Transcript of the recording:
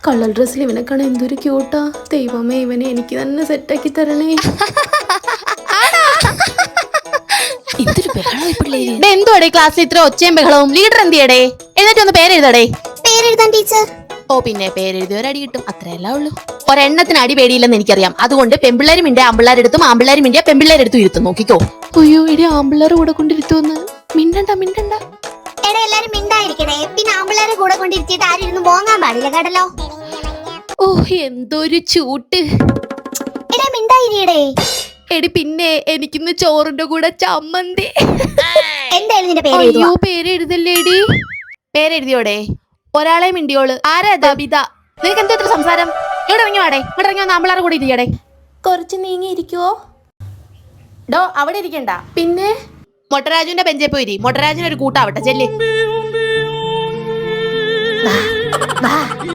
Colour ഡ്രസ്സിൽ ഇവനെ കാണാൻ എന്തൊരു ക്യൂട്ടാ. ദൈവമേ, ഇവനെ എനിക്ക് തന്നെ സെറ്റാക്കി തരണേ. എന്തോടെ ക്ലാസ്സിൽ ഇത്ര ഒച്ചയും ബഹളവും? ലീഡർ എന്തിയടേ? എന്നിട്ട് ഒന്ന് പേരെഴുതടേ. പേരെഴുതാൻ ടീച്ചർ. ഓ പിന്നെ പേരെഴുതി ഒരടി കിട്ടും, അത്രയല്ല ഉള്ളൂ. ഒരെണ്ണത്തിന് അടി പേടിയില്ലെന്ന് എനിക്കറിയാം. അതുകൊണ്ട് പെമ്പിള്ളേരും മിണ്ടിയ ആമ്പിള്ളേരെടുത്തും ആമ്പിള്ളേരും മിണ്ടിയ പെമ്പിള്ളേരെടുത്തും ഇരുത്തും. നോക്കിക്കോ. അയ്യോ എടി, ആമ്പിള്ളേരെ കൂടെ കൊണ്ടിരുത്തുവന്ന്. മിണ്ടണ്ട മിണ്ടണ്ട. എടാ എല്ലാരും മിണ്ടായിരിക്കണേ. പിന്നെ ആമ്പിള്ളേരെ കൂടെ കൊണ്ടിരുത്തിയിട്ട് ആരും ഇരുന്ന് പോങ്ങാൻ പാടില്ല കേട്ടല്ലോ. ഓ എന്തൊരു ചൂട്ട്. എടാ മിണ്ടായിരിക്കടേ. എടി പിന്നെ എനിക്കിന്ന് ചോറിന്റെ കൂടെ ചമ്മന്തി. എന്തായാലും നിന്റെ പേര് അയ്യോ പേരെഴുതല്ലേടി. പേരെഴുതിയോടെ? ഒരാളെ മിണ്ടിയോള്. ആരാ ബിത? നിനക്ക് എന്താ ഇത്ര സംസാരം? ഇവിടെ ഇറങ്ങി വാടേ. ഇവിടെ ഇറങ്ങി വന്ന് ആമ്പിള്ളേരെ കൂടെ ഇരിക്കടേ. കുറച്ച് നീങ്ങി ഇരിക്കുവോ? ഡോ അവിടെ ഇരിക്കണ്ട. പിന്നെ മൊട്ടരാജുവിന്റെ ബെഞ്ചേ പോയിരി. മൊട്ടരാജുവിന് ഒരു കൂട്ടാവട്ടെ. ചെല്ല്.